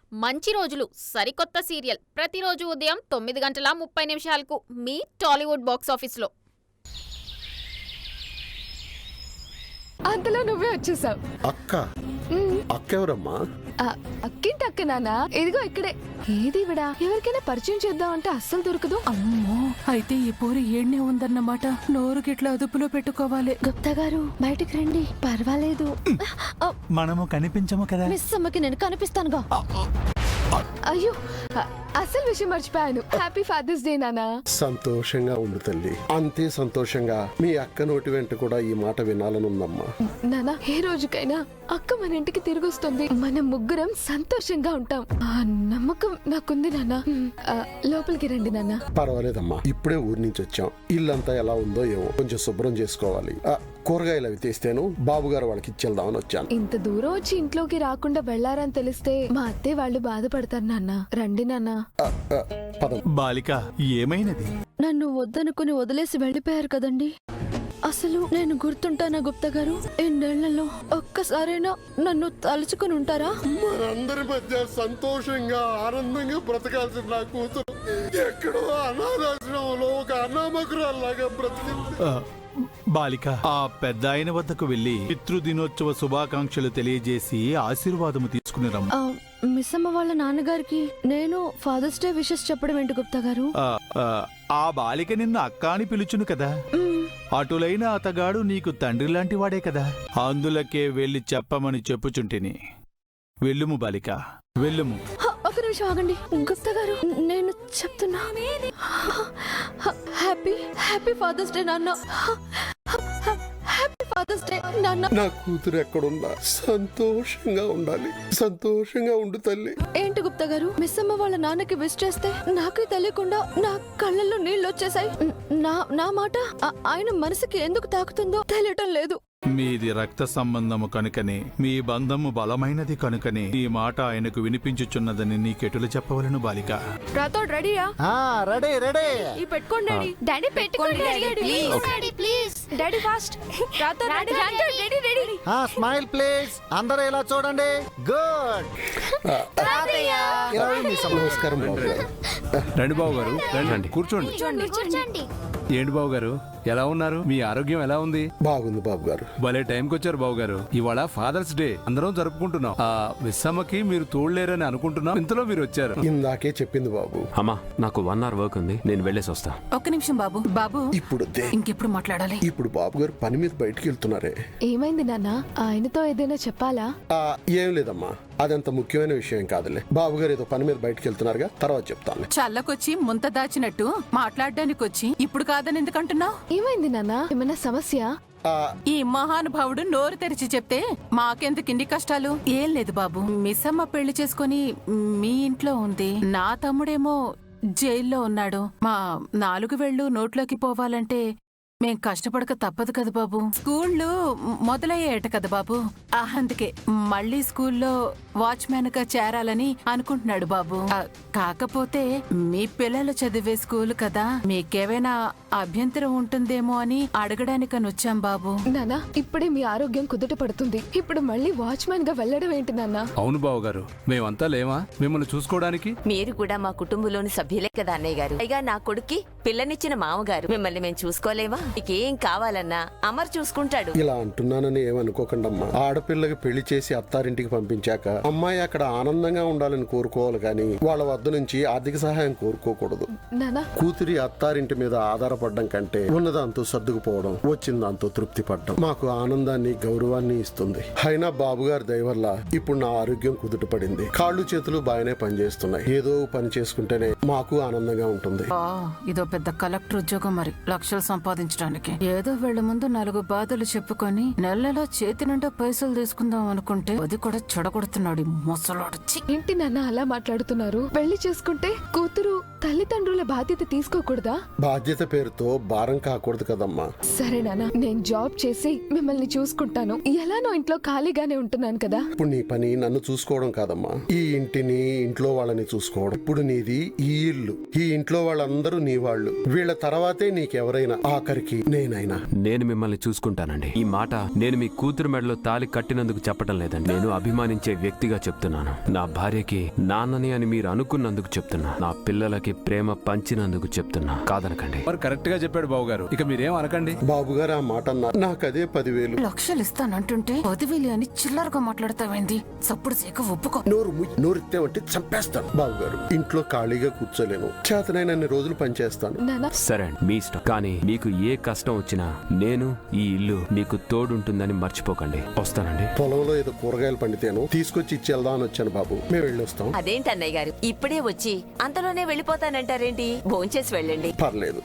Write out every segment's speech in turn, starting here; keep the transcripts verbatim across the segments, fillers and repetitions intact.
మంచి రోజులు సరికొత్త సీరియల్ ప్రతిరోజు ఉదయం తొమ్మిది గంటల ముప్పై నిమిషాలకు మీ టాలీవుడ్ బాక్స్ ఆఫీస్లో. అంతలో నువ్వే వచ్చేసావు. అక్క అక్క ఎవరమ్మా? అక్కింటి అక్క నాన్న, ఇదిగో ఇక్కడే. ఏది విడా ఎవరికైనా పరిచయం చేద్దాం అంటే అస్సలు దొరకదు. అమ్మో, అయితే ఈ పూరి ఏడ్నే ఉందన్నమాట. నోరు గిట్లా అదుపులో పెట్టుకోవాలి. గుప్తా గారు బయటికి రండి, పర్వాలేదు. మనము కనిపించము కదా. మిస్ అమ్మకి నేను కనిపిస్తానుగా. అయ్యో, అసలు విషయం మర్చిపోయాను. హ్యాపీ ఫాదర్స్ డే నాన్న. సంతోషంగా ఉండు తల్లి. అంతే సంతోషంగా మీ అక్క నోటి వెంట కూడా ఈ మాట వినాలని ఉందమ్మా. నాన్న, ఏ రోజుకైనా అక్క మన ఇంటికి తిరిగి వస్తుంది. మనం ముగ్గురం సంతోషంగా ఉంటాం. ఆ నమ్మకం నాకుంది నాన్న. లోపలికి రండి నాన్న. పర్వాలేదమ్మా, ఇప్పుడే ఊరి నుంచి వచ్చాం. ఇల్లంతా ఎలా ఉందో ఏమో కొంచెం శుభ్రం చేసుకోవాలి. కూరగాయలు అవి తీస్తేను బాబు గారు వాళ్ళకి ఇచ్చేద్దామని వచ్చాను. ఇంత దూరం వచ్చి ఇంట్లోకి రాకుండా వెళ్లారని తెలిస్తే మా అత్తే వాళ్ళు బాధపడతారు నాన్న. రండి నాన్న. బాలిక, ఏమైనది? నన్ను వద్దనుకుని వదిలేసి వెళ్ళిపోయారు కదండి. అసలు నేను గుర్తుంటానా గుప్తా గారు? ఎన్నేళ్లలో ఒక్కసారైనా నన్ను తలుచుకుని ఉంటారా? మనందరి మధ్య సంతోషంగా ఆనందంగా బ్రతకాల్సిన నా కూతురు ఎక్కడో అనాథాశ్రమంలో ఒక అనామకురాల్లాగా బ్రతికింది. బాలిక, ఆ పెద్ద ఆయన వద్దకు వెళ్లి పితృదినోత్సవ శుభాకాంక్షలు తెలియజేసి ఆశీర్వాదము తీసుకుని రమ్ము. మిస్ అమ్మ వాళ్ళ నాన్నగారికి నేను ఫాదర్స్ డే విషెస్ చెప్పడం ఏంటి గుప్తా గారు? ఆ బాలిక నిన్ను అక్క అని పిలుచును కదా. అటులైన అతగాడు నీకు తండ్రి లాంటి వాడే కదా. అందులకే వెళ్లి చెప్పమని చెప్పుచుంటిని. వెళ్ళుము బాలిక, వెళ్ళుము. ఒక నిమిషం ఆగండి గుప్తా గారు, నేను చెప్తున్నా. హ్యాపీ హ్యాపీ ఫాదర్స్ డే నాన్న. హ్యాపీ ఫాదర్స్ డే నాన్న. నా కూతురు ఎక్కడున్నా సంతోషంగా ఉండాలి. సంతోషంగా ఉండు తల్లి. ఏంటి గుప్తా గారు, మిస్ అమ్మ వాళ్ళ నాన్నకి విష్ చేస్తే నాకే తెలియకుండా నా కళ్ళల్లో నీళ్ళు వచ్చేసాయి. నా నా మాట ఆయన మనసుకి ఎందుకు తాకుతుందో తెలియటం లేదు. మీది రక్త సంబంధము కనుకనే, మీ బంధము బలమైనది కనుకనే ఈ మాట ఆయనకు వినిపించుచున్నదని నీకెటులు చెప్పవలను బాలిక. రాతోడ్ రెడీయా? Ready ready. ఈ పెట్టుకోండి డాడీ. డాడీ పెట్టుకోండి daddy please. Daddy fast. Rathod ready ready ready. ఆ స్మైల్ ప్లీజ్. అందరూ ఇలా చూడండి. గుడ్. నమస్కారం బాబు గారు. రండి బాబు గారు, రండి కూర్చోండి. ఏంటి బాబు గారు, ఎలా ఉన్నారు? మీ ఆరోగ్యం ఎలా ఉంది? బాగుంది బాబు గారు. భలే టైంకి వచ్చారు బాబు గారు. ఇవాళ ఫాదర్స్ డే అందరం జరుపుకుంటున్నాం. ఆ విస్సమ్మకి మీరు తోడలేరని అనుకుంటున్నాం, ఇంతలో మీరు వచ్చారు. ఇందాకే చెప్పింది బాబు. అమ్మా, నాకు వన్ అవర్ వర్క్ ఉంది, నేను వెళ్ళేసి వస్తా. ఒక్క నిమిషం బాబు. బాబు ఇప్పుడు ఇంకెప్పుడు మాట్లాడాలి? ఇప్పుడు బాబు గారు పని మీద బయటికి వెళ్తున్నారే. ఏమైంది నాన్న? ఆయనతో ఏదైనా చెప్పాలా? ఏం లేదమ్మా, అదంత ముఖ్యమైన విషయం కాదులే. బాబు గారు ఏదో పని మీద బయటికి వెళ్తున్నారుగా, తర్వాత చెప్తాను. చల్లకొచ్చి ముంత దాచినట్టు మాట్లాడడానికి వచ్చి ఇప్పుడు కాదని ఎందుకంటున్నావు? ఏమైంది నాన్న? ఏమైనా సమస్య? ఈ మహానుభావుడు నోరు తెరిచి చెప్తే మాకెందుకు ఇన్ని కష్టాలు? ఏం లేదు బాబు, మిస్సమ్మ పెళ్లి చేసుకుని మీ ఇంట్లో ఉంది. నా తమ్ముడేమో జైల్లో ఉన్నాడు. మా నాలుగు వేళ్లు నోట్లోకి పోవాలంటే మేం కష్టపడక తప్పదు కదా బాబు. స్కూళ్ళు మొదలయ్యేట కదా బాబు. అందుకే మళ్ళీ స్కూల్లో వాచ్మెన్ గా చేరాలని అనుకుంటున్నాడు బాబు. కాకపోతే మీ పిల్లలు చదివే స్కూల్ కదా, మీకేమైనా అభ్యంతరం ఉంటుందేమో అని అడగడానికని వచ్చాం బాబు. నాన్న, ఇప్పుడే మీ ఆరోగ్యం కుదుట పడుతుంది. ఇప్పుడు మళ్ళీ వాచ్మెన్ గా వెళ్ళడం ఏంటి నాన్న? అవును బాబు గారు, మేమంతా లేవా మిమ్మల్ని చూసుకోవడానికి? మీరు కూడా మా కుటుంబంలోని సభ్యులే కదా అన్నయ్య గారు. పైగా నా కొడుక్కి పిల్లనిచ్చిన మామగారు. మిమ్మల్ని మేము చూసుకోలేవా? మీకేం కావాలన్నా అమర్ చూసుకుంటాడు. ఇలా అంటున్నానని ఏమనుకోకండమ్మా. ఆడపిల్లకి పెళ్లి చేసి అత్తారింటికి పంపించాక అమ్మాయి అక్కడ ఆనందంగా ఉండాలని కోరుకోవాలి కానీ వాళ్ళ వద్ద నుంచి ఆర్థిక సహాయం కోరుకోకూడదు. కూతురి అత్తారింటి మీద ఆధారపడడం కంటే ఉన్నదాంతో సర్దుకుపోవడం, వచ్చిన దాంతో తృప్తి పడడం మాకు ఆనందాన్ని గౌరవాన్ని ఇస్తుంది. అయినా బాబు గారి దయ వల్ల ఇప్పుడు నా ఆరోగ్యం కుదుట పడింది. కాళ్ళు చేతులు బాగానే పనిచేస్తున్నాయి. ఏదో పని చేసుకుంటేనే మాకు ఆనందంగా ఉంటుంది. ఇదో పెద్ద కలెక్టర్ ఉద్యోగం, మరి లక్షలు సంపాదించడానికి. ఏదో వీళ్ళ ముందు నాలుగు బాధలు చెప్పుకొని నెల నెల చేతి నిండా పైసలు తీసుకుందాం అనుకుంటే అది కూడా చెడగొడుతున్నాడు ముసలాడు. ఏంటి నాన్న అలా మాట్లాడుతున్నారు? పెళ్లి చేసుకుంటే కూతురు తల్లిదండ్రుల బాధ్యత తీసుకోకూడదా? బాధ్యత పేరుతో భారం కాకూడదు కదమ్మా. సరే నాన్న, నేను జాబ్ చేసి మిమ్మల్ని చూసుకుంటాను. ఎలానో ఇంట్లో ఖాళీగానే ఉంటున్నాను కదా. ఇప్పుడు నీ పని నన్ను చూసుకోవడం కాదమ్మా, ఈ ఇంటిని ఇంట్లో వాళ్ళని చూసుకోవడం. ఇప్పుడు నీది ఈ ఇల్లు, ఈ ఇంట్లో వాళ్ళందరూ నీ వాళ్ళు. వీళ్ళ తర్వాతే నీకెవరైనా, ఆఖరికి నేనైనా. నేను మిమ్మల్ని చూసుకుంటానండి. ఈ మాట నేను మీ కూతురు మెడలో తాలి కట్టినందుకు చెప్పడం లేదండి. నేను అభిమానించే వ్యక్తిగా చెప్తున్నాను. నా భార్యకి నాన్నని అని మీరు అనుకున్నందుకు చెప్తున్నా. నా పిల్లలకి ప్రేమ పంచినందుకు చెప్తున్నా. కాదనకండి. మరి కరెక్ట్ గా చెప్పాడు బాబు గారు, ఇక మీరేం అనకండి. బాబు గారు ఆ మాట అన్నారు, నాకు అదే పదివేలు. లక్షలు ఇస్తానంటుంటే పదివేలు అని చిల్లరగా మాట్లాడతావేంది? చప్పుడు సేక ఒప్పుకో. నోరు ముయ్- నోరెత్తావంటే చంపేస్తాను. బాబు గారు, ఇంట్లో ఖాళీగా కూర్చోలేను. చేతనైనన్ని రోజులు పనిచేస్తాను. నాన్న, సరే అండి, మీ ఇష్టం. కానీ మీకు ఏ కష్టం వచ్చినా నేను ఈ ఇల్లు మీకు తోడుంటుందని మర్చిపోకండి. వస్తానండి. పొలంలో ఏదో కూరగాయలు పండితేను తీసుకొచ్చి ఇచ్చి వెళ్దామని వచ్చాను బాబు. మేము వెళ్ళొస్తాం. అదేంటి అన్నయ్య గారు ఇప్పుడే వచ్చి అంతలోనే వెళ్ళిపోతానంటారేంటి? భోంచేసి వెళ్ళండి. పర్లేదు.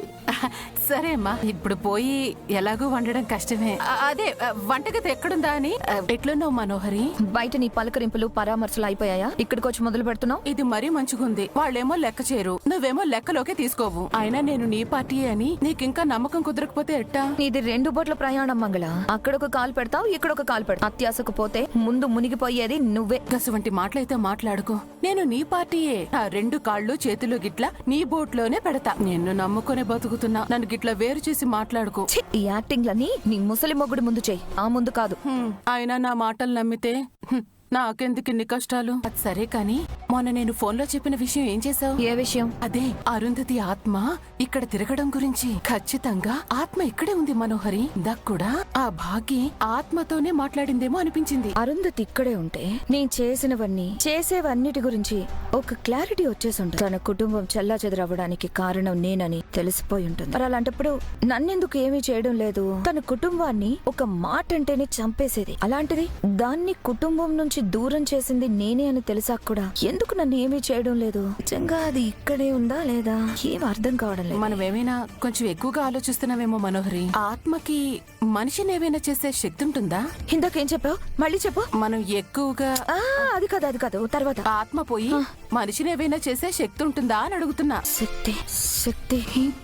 సరే అమ్మా, ఇప్పుడు పోయి ఎలాగో వండడం కష్టమే. ఆ, అదే ఆ, వంటగది ఎక్కడుందా అని. ఆ, ఎట్లున్నావు మనోహరి? బయట నీ పలకరింపులు పరామర్శలు అయిపోయాయా? ఇక్కడికి వచ్చి మొదలు పెడుతున్నావు? ఇది మరీ మంచిగుంది. వాళ్ళేమో లెక్క చేయరు, నువ్వేమో లెక్కలోకే తీసుకోవు. అయినా నేను నీ పార్టీయే అని నీకింకా నమ్మకం కుదరకపోతే ఎట్టా? ఇది రెండు బోట్ల ప్రయాణం మంగళ. అక్కడొక కాలు పెడతావు, ఇక్కడొక కాలు పెడతావు. అత్యాసకు పోతే ముందు మునిగిపోయేది నువ్వే. గసువంటి మాటలైతే మాట్లాడుకో. నేను నీ పార్టీయే. ఆ రెండు కాళ్ళు చేతులు గిట్లా నీ బోట్లోనే పెడతా. నిన్ను నమ్ముకునే బతుకుతున్నా, నన్ను గిట్లా వేరు చేసి మాట్లాడుకో. ఛీ, ఈ యాక్టింగ్లన్నీ నీ ముసలి మొగుడు ముందు చెయ్యి, ఆ ముందు కాదు. హ్మ్, అయినా నా మాటలు నమ్మితే హ్మ్, నాకెందుకు ఇన్ని కష్టాలు? అది సరే కాని మొన్న నేను ఫోన్లో చెప్పిన విషయం ఏం చేసావు? ఏ విషయం? అదే అరుంధతి ఆత్మ ఇక్కడ తిరగడం గురించి. ఖచ్చితంగా ఆత్మ ఇక్కడే ఉంది మనోహరి. ఇందాక కూడా ఆ భాగ్య ఆత్మతోనే మాట్లాడిందేమో అనిపించింది. అరుంధతి ఇక్కడే ఉంటే నేను చేసినవన్నీ చేసేవన్నిటి గురించి ఒక క్లారిటీ వచ్చేసి ఉంటుంది. తన కుటుంబం చెల్లా చెదరవ్వడానికి కారణం నేనని తెలిసిపోయి ఉంటుంది. మరి అలాంటప్పుడు నన్నెందుకు ఏమీ చేయడం లేదు? తన కుటుంబాన్ని ఒక మాట అంటేనే చంపేసేది. అలాంటిది దాన్ని కుటుంబం నుంచి దూరం చేసింది నేనే అని తెలిసాక కూడా ఎందుకు నన్ను ఏమీ చేయడం లేదు? నిజంగా అది ఇక్కడే ఉందా లేదా ఏం అర్థం కావడం లేదు. మనం ఏమైనా కొంచెం ఎక్కువగా ఆలోచిస్తున్నామేమో మనోహరి. ఆత్మకి మనిషిని ఏమైనా చేసే శక్తి ఉంటుందా? ఇందాకేం చెప్పావు? మళ్ళీ చెప్పు. మనం ఎక్కువగా ఆ, అది కాదు అది కాదు తర్వాత. ఆత్మ పోయి మనిషిని ఏమైనా చేసే శక్తి ఉంటుందా అని అడుగుతున్నా. శక్తి శక్తి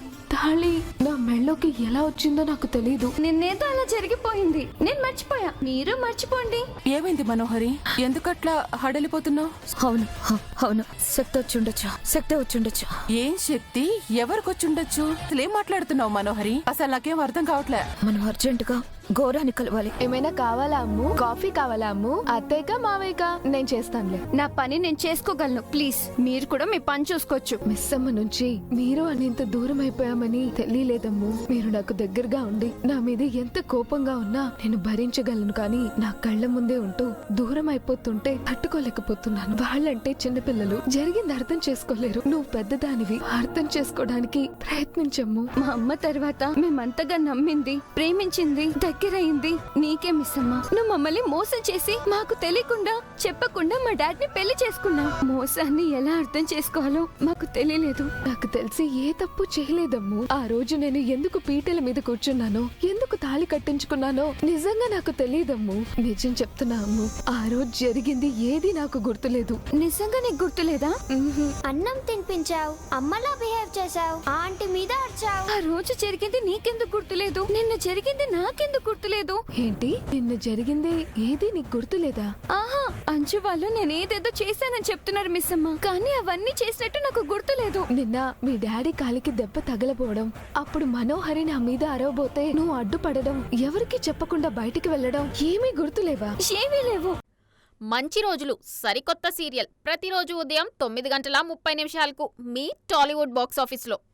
తాళి నా మెళ్ళోకి ఎలా వచ్చిందో నాకు తెలీదు. నిన్నేదో అలా జరిగిపోయింది, నేను మర్చిపోయా, మీరు మర్చిపోండి. ఏమైంది మనోహరి? ఎందుకట్లా హడలిపోతున్నావు? అవును హ, అవును శక్తి వచ్చుండొచ్చు, శక్తి వచ్చుండొచ్చు. ఏం శక్తి? ఎవరికొచ్చుండొచ్చు? అసలు ఏం మాట్లాడుతున్నావు మనోహరి? అసలు నాకేం అర్థం కావట్లే. మనం అర్జెంటుగా గౌరాన్ని కలవాలి. ఏమైనా కావాలా అమ్ము? కాఫీ కావాలా అమ్ము? అత్తయ్యగా మావయ్యగా? నేను చేస్తానులే, నా పని నేను చేసుకోగలను. ప్లీజ్ మీరు కూడా మీ పని చూసుకోవచ్చు. మిస్ అమ్మ నుంచి మీరు అనేంత దూరం అయిపోయామని తెలియలేదమ్ము. మీరు నాకు దగ్గరగా ఉండి నా మీద ఎంత కోపంగా ఉన్నా నేను భరించగలను, కానీ నా కళ్ళ ముందే ఉంటూ దూరం అయిపోతుంటే తట్టుకోలేకపోతున్నాను. వాళ్ళంటే చిన్నపిల్లలు, జరిగింది అర్థం చేసుకోలేరు. నువ్వు పెద్దదానివి, అర్థం చేసుకోవడానికి ప్రయత్నించమ్ము. మా అమ్మ తర్వాత మేమంతగా నమ్మింది, ప్రేమించింది, దగ్గరైంది నీకే మిస్ అమ్మా. నువ్వు మమ్మల్ని మోసం చేసి మాకు తెలియకుండా చెప్పకుండా మా డాడీని పెళ్లి చేసుకున్నావు. మోసాన్ని ఎలా అర్థం చేసుకోవాలో మాకు తెలియలేదు. నాకు తెలిసి ఏ తప్పు చేయలేదమ్ము. ఆ రోజు నేను ఎందుకు పీటల మీద కూర్చున్నానో, ఎందుకు తాళి కట్టించుకున్నానో నిజంగా నాకు తెలియదమ్ము. నిజం చెప్తున్నా అమ్ము, ఆ రోజు జరిగింది ఏది నాకు గుర్తులేదు. నిజంగా నీకు గుర్తులేదా? అన్నం తినిపించావు, అమ్మలా బిహేవ్ చేసావు, ఆంటీ మీద అరిచావు. ఆ రోజు జరిగింది నీకెందుకు గుర్తులేదు? నిన్న జరిగింది నాకెందుకు గుర్తులేదు? ఏంటి నిన్న జరిగింది ఏది నీకు గుర్తులేదా? ఆహా, అంచు వాళ్ళు నేనేదేదో చేశానని చెప్తున్నారు మిస్ అమ్మ, కానీ అవన్నీ చేసినట్టు నాకు గుర్తులేదు. నిన్న మీ డాడీ కాలికి దెబ్బ తగలపోవడం, అప్పుడు మనోహరి నా మీద అరవబోతే నువ్వు అడ్డుపడడం, ఎవరికి చెప్పకుండా బయటికి వెళ్ళడం ఏమీ గుర్తులేవా? ఏమీ లేవు. మంచి రోజులు సరికొత్త సీరియల్ ప్రతిరోజు ఉదయం తొమ్మిది గంటల ముప్పై నిమిషాలకు మీ టాలీవుడ్ బాక్స్ ఆఫీస్లో.